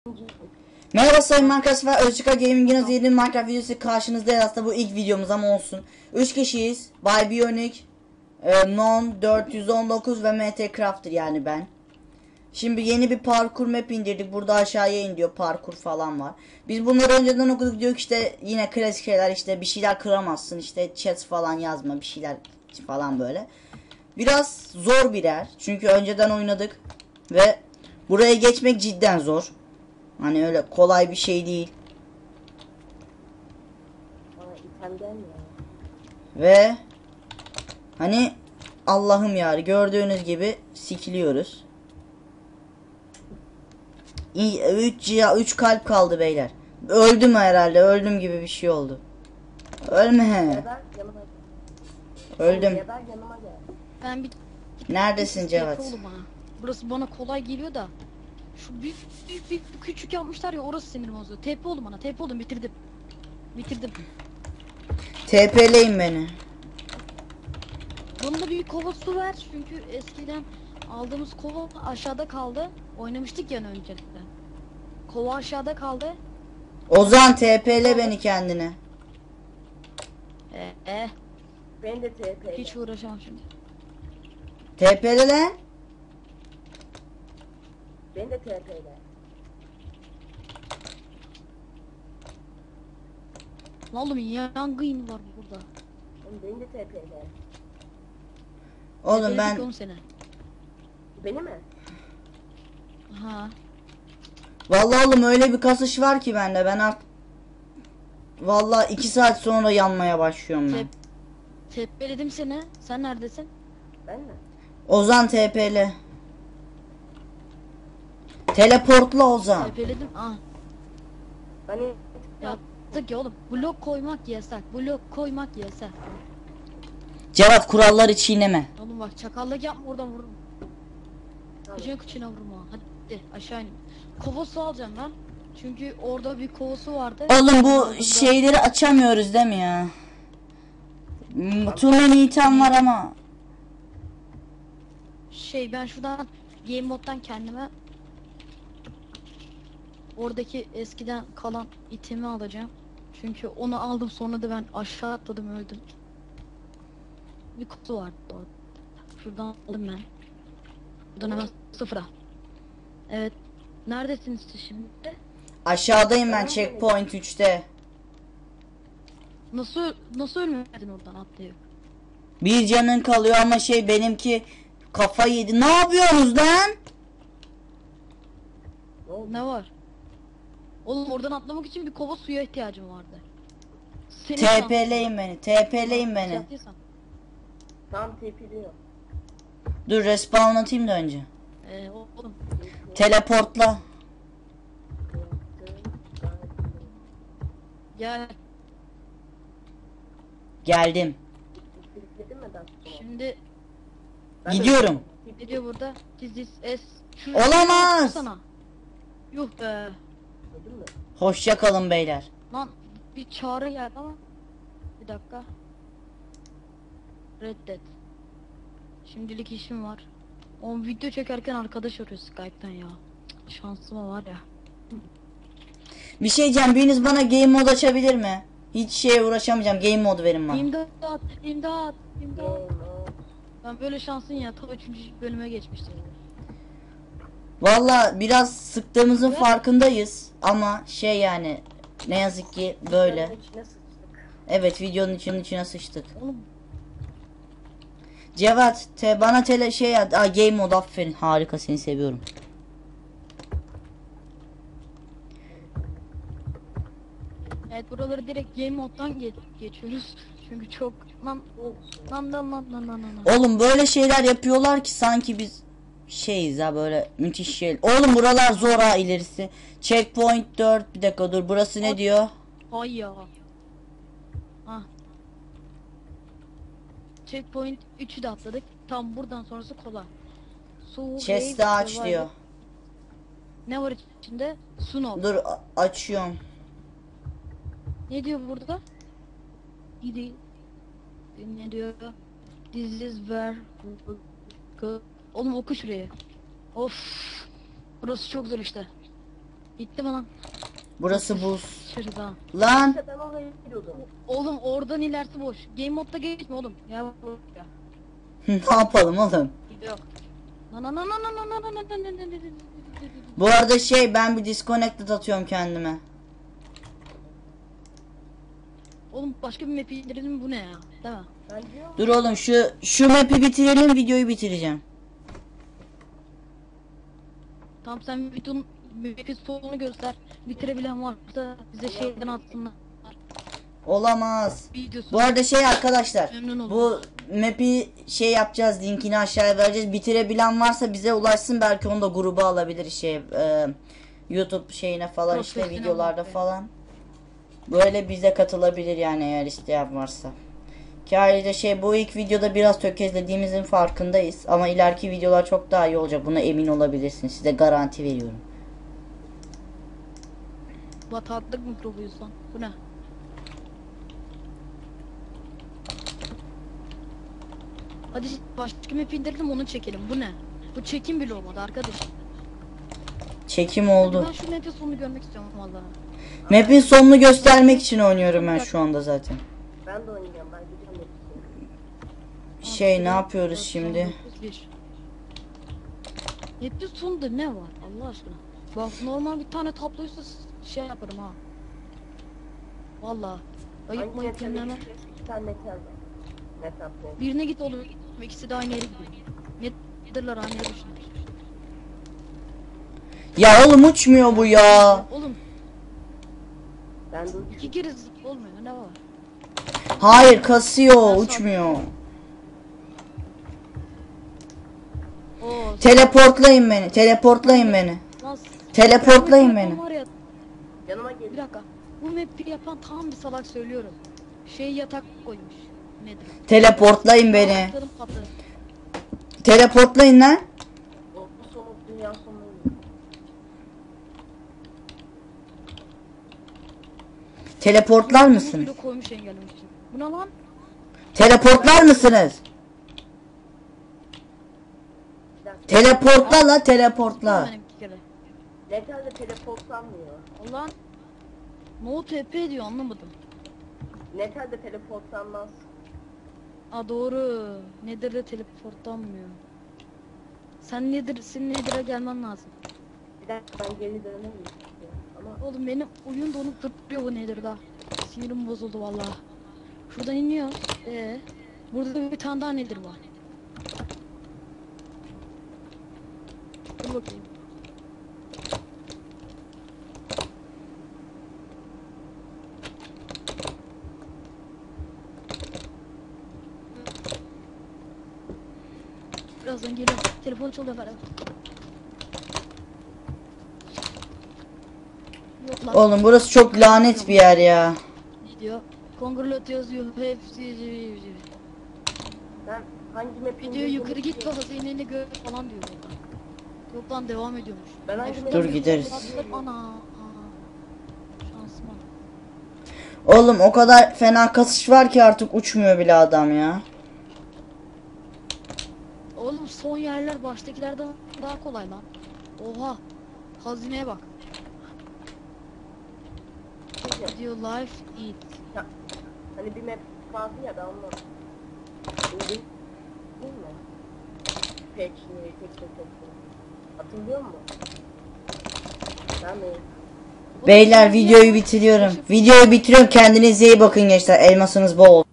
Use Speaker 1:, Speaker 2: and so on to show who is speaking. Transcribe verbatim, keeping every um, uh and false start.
Speaker 1: Merhaba sayın Minecraft ve Özçika Gaming'in yeni Minecraft videosu karşınızdayız. Aslında bu ilk videomuz ama olsun. üç kişiyiz. Bay Bionic, e, Non dört yüz on dokuz ve M T Crafter, yani ben. Şimdi yeni bir parkur map indirdik. Burada aşağıya in diyor, parkur falan var. Biz bunları önceden okuduk, diyor ki işte yine klasik şeyler, işte bir şeyler kıramazsın, işte chat falan yazma, bir şeyler falan böyle. Biraz zor birer çünkü önceden oynadık ve buraya geçmek cidden zor. Hani öyle kolay bir şey değil. Ve hani Allah'ım ya, gördüğünüz gibi sikiliyoruz. üç üç kalp kaldı beyler. Öldüm herhalde. Öldüm gibi bir şey oldu. Ölme. Öldüm.
Speaker 2: Ben bir
Speaker 1: Neredesin Cevat?
Speaker 2: bana. Burası bana kolay geliyor da. Şu büyük büyük büyük küçük yapmışlar ya, orası sinirim bozuyor. T P oldu bana. T P oldum, bitirdim. Bitirdim.
Speaker 1: T P'leyin beni.
Speaker 2: Bana da bir kova su ver çünkü eskiden aldığımız kova aşağıda kaldı. Oynamıştık yani önceden. Kova aşağıda kaldı.
Speaker 1: Ozan T P'le beni kendine.
Speaker 2: Ee, eh.
Speaker 3: Ben de T P.
Speaker 2: Hiç uğraşamam şimdi.
Speaker 1: T P'le lan.
Speaker 3: Ben de T P'yle.
Speaker 2: Lan oğlum yangın var burada.
Speaker 3: Ben de T P'yle.
Speaker 1: Oğlum ben
Speaker 2: Seni.
Speaker 3: Beni mi?
Speaker 2: Ha.
Speaker 1: vallahi oğlum öyle bir kasış var ki bende, ben artık vallahi iki saat sonra yanmaya başlıyorum ben.
Speaker 2: Tepeledim seni. Sen neredesin?
Speaker 3: Ben mi?
Speaker 1: Ozan T P'le. Teleportla Ozan.
Speaker 2: Tepeledim. Ah.
Speaker 3: Hani
Speaker 2: Yaptık ya oğlum. Blok koymak yasak. Blok koymak yasak.
Speaker 1: Cevat, kuralları çiğneme.
Speaker 2: Oğlum bak, çakallık yapma, oradan vururum. Kıçına kıçına vurma. Hadi aşağı in. Kova su alacağım ben. Çünkü orada bir kova su vardı.
Speaker 1: Oğlum bu
Speaker 2: Aldığımda-
Speaker 1: şeyleri açamıyoruz değil mi ya? Hmm, Too many item var ama.
Speaker 2: Şey, ben şuradan game moddan kendime oradaki eskiden kalan itemi alacağım. Çünkü onu aldım, sonra da ben aşağı atladım, öldüm. Bir kutu vardı orada. Şuradan aldım ben. Buradan hemen sıfıra. Evet. Neredesiniz siz şimdi?
Speaker 1: Aşağıdayım ben, checkpoint üçte.
Speaker 2: Nasıl nasıl ölmedin oradan atlayıp?
Speaker 1: Bir canın kalıyor ama şey, benimki kafa yedi. Ne yapıyorsunuz lan?
Speaker 2: Ne var? Oğlum oradan atlamak için bir kova suya ihtiyacım vardı. Senin
Speaker 1: T P'leyin beni. T P'leyin beni.
Speaker 2: Yaptıysan.
Speaker 3: tam T P'liyor.
Speaker 1: Dur respawn atayım da önce.
Speaker 2: Ee, oğlum.
Speaker 1: Teleportla.
Speaker 2: Gel.
Speaker 1: Geldim.
Speaker 3: Dedim mi daha?
Speaker 2: Şimdi
Speaker 1: Gidiyorum.
Speaker 2: ne diyor burada? This is S. Şu-
Speaker 1: Olamaz.
Speaker 2: Sana. Yuh be.
Speaker 3: Dedim mi?
Speaker 1: Hoşça kalın beyler.
Speaker 2: Lan bir çağrı geldi ama. Bir dakika. Reddet. Şimdilik işim var. O video çekerken arkadaş arıyor Skype'ten ya. Cık, şansıma var ya.
Speaker 1: Bir şey diyeceğim, biriniz bana game mod açabilir mi? Hiç şeye uğraşamayacağım, game mod verin bana.
Speaker 2: İmdat, imdat, imdat.
Speaker 3: Game on.
Speaker 2: Ben böyle şansın ya, ta üçüncü bölüme geçmiştim.
Speaker 1: Valla biraz sıktığımızın farkındayız ama şey, yani ne yazık ki böyle.
Speaker 3: Videonun içine sıçtık.
Speaker 1: Evet, videonun içinin içine sıçtık.
Speaker 2: Oğlum
Speaker 1: Cevat te, bana tele şey at. Aa, game mod, aferin, harika, seni seviyorum.
Speaker 2: evet, buraları direkt game moddan geç geçiyoruz. Çünkü çok lan lan lan lan lan lan lan.
Speaker 1: Oğlum böyle şeyler yapıyorlar ki sanki biz şeyiz ha, böyle müthiş şey. Oğlum buralar zor ha, ilerisi. Checkpoint dört, bir dakika dur, burası ne diyor?
Speaker 2: Ay ya. Ah. Checkpoint üçü de atladık. Tam buradan sonrası kolay. Su,
Speaker 1: Chest'i
Speaker 2: wave,
Speaker 1: aç
Speaker 2: survival.
Speaker 1: diyor.
Speaker 2: Ne var içinde? Snow.
Speaker 1: Dur a- açıyorum.
Speaker 2: Ne diyor burada? Gidi. Ne diyor? This is where go. Oğlum oku şurayı. Of. Burası çok zor işte. Gitti mi lan?
Speaker 1: Burası buz.
Speaker 2: Şurada.
Speaker 1: Lan
Speaker 3: İşte ben oraya gidiyordum.
Speaker 2: Oğlum oradan ilerisi boş. Game modda geçme oğlum. Ya buraya.
Speaker 1: ne yapalım oğlum?
Speaker 2: Yok. Na na na na na na na na na na na na na.
Speaker 1: Bu arada şey ben bir disconnected atıyorum kendime.
Speaker 2: Oğlum başka bir map indirelim, bu ne ya? Değil mi?
Speaker 3: Ben diyorum.
Speaker 1: Dur oğlum şu şu map'i bitirelim, videoyu bitireceğim.
Speaker 2: Tamam, sen videonun map'in sonunu göster. Bitirebilen varsa bize şeyden atsınlar.
Speaker 1: Olamaz.
Speaker 2: Videosu.
Speaker 1: Bu arada şey arkadaşlar,
Speaker 2: Memnun oldum.
Speaker 1: bu map'i şey yapacağız, linkini aşağıya vereceğiz. Bitirebilen varsa bize ulaşsın, belki onu da gruba alabilir şey e, YouTube şeyine falan, işte
Speaker 2: Profesyonel
Speaker 1: videolarda
Speaker 2: map.
Speaker 1: falan. Böyle bize katılabilir yani, eğer isteyen varsa. Ki ayrıca şey, bu ilk videoda biraz tökezlediğimizin farkındayız ama ileriki videolar çok daha iyi olacak, buna emin olabilirsiniz, size garanti veriyorum.
Speaker 2: Bataklık mikrobuyuz lan. Bu ne? Hadi başka map indirelim, onu çekelim. Bu ne? Bu çekim bile olmadı arkadaşım.
Speaker 1: Çekim
Speaker 2: Hadi
Speaker 1: oldu.
Speaker 2: ben şu map'in sonunu görmek istiyorum vallahi.
Speaker 1: Map'in sonunu göstermek için oynuyorum ben şu anda zaten.
Speaker 3: Ben de oynayacağım. Ben gideceğim. hepsini.
Speaker 1: Şey, ne yapıyoruz şimdi?
Speaker 2: Map'in sonunda ne var Allah aşkına? Bak normal bir tane tabloysa şey yaparım ha. Vallahi. Ayıp
Speaker 3: Hangi
Speaker 2: mayıp
Speaker 3: metal
Speaker 2: yenileme.
Speaker 3: gideceğiz? İki tane metal var. Metal ne?
Speaker 2: Birine git olur. İkisi de aynı yere gidiyor. Nedirler aynı yere düşünür.
Speaker 1: Ya oğlum uçmuyor bu ya.
Speaker 2: Oğlum
Speaker 3: Ben de
Speaker 2: iki kere zıp olmuyor, ne var?
Speaker 1: Hayır, kasıyor, uçmuyor.
Speaker 2: Oo,
Speaker 1: Teleportlayın beni, teleportlayın beni.
Speaker 2: lan-
Speaker 1: Teleportlayın
Speaker 2: Bu map'i
Speaker 1: beni.
Speaker 2: yapan var ya,
Speaker 3: yanıma
Speaker 2: bir
Speaker 3: gelin.
Speaker 2: dakika. Bu map'i yapan tam bir salak, söylüyorum. Şey yatak koymuş. Nedir?
Speaker 1: Teleportlayın beni.
Speaker 2: Atladım, patladım.
Speaker 1: Teleportlayın lan.
Speaker 3: O sonu dünya sonu oluyor.
Speaker 1: Teleportlar mısınız?
Speaker 2: Bunu koymuş engellemek için. Bu ne lan?
Speaker 1: Teleportlar mısınız?
Speaker 3: Bir dakika.
Speaker 1: Teleportla la, teleportla.
Speaker 2: Benim iki kere.
Speaker 3: Metal de teleportlanmıyor.
Speaker 2: Allah'ın No T P diyor, anlamadım.
Speaker 3: Metal de teleportlanmaz.
Speaker 2: Aa doğru. Nedir de teleportlanmıyor. Sen nedir, senin nedir'e gelmen lazım.
Speaker 3: Bir dakika ben geri dönemeyim. Ama
Speaker 2: Oğlum benim oyun donup duruyor bu nedir da. Sinirim bozuldu vallahi. Şuradan iniyoruz. Ee, burada bir tane daha nedir var. Dur bakayım. Birazdan geliyorum. Telefon çalıyor falan. Yok lan.
Speaker 1: Oğlum burası çok lanet bir yer ya.
Speaker 2: Ne diyor? Congratulations you have
Speaker 3: ben hangi map
Speaker 2: video
Speaker 3: indirdiğimi
Speaker 2: yukarı git ve
Speaker 3: biliyorum.
Speaker 2: hazineni gör falan diyor burada. Yok lan, devam ediyormuş.
Speaker 3: Ben hangi
Speaker 2: şuradan
Speaker 3: map
Speaker 1: Dur
Speaker 2: bir
Speaker 1: gideriz.
Speaker 2: atlarım, ana. Aa. Şansıma.
Speaker 1: Oğlum o kadar fena kasış var ki artık uçmuyor bile adam ya.
Speaker 2: Oğlum son yerler baştakilerden daha kolay lan. Oha. Hazineye bak. Diyor life eat.
Speaker 3: Ya, hani bir map vardı ya ben onu indim. Değil mi? Peki, tek tek tek tek. Hatırlıyor musun? Ben mi?
Speaker 2: Oğlum,
Speaker 1: Beyler
Speaker 2: son
Speaker 1: videoyu
Speaker 2: yer-
Speaker 1: bitiriyorum. Videoyu bitiriyorum. Kendinize iyi bakın gençler. Elmasınız bol.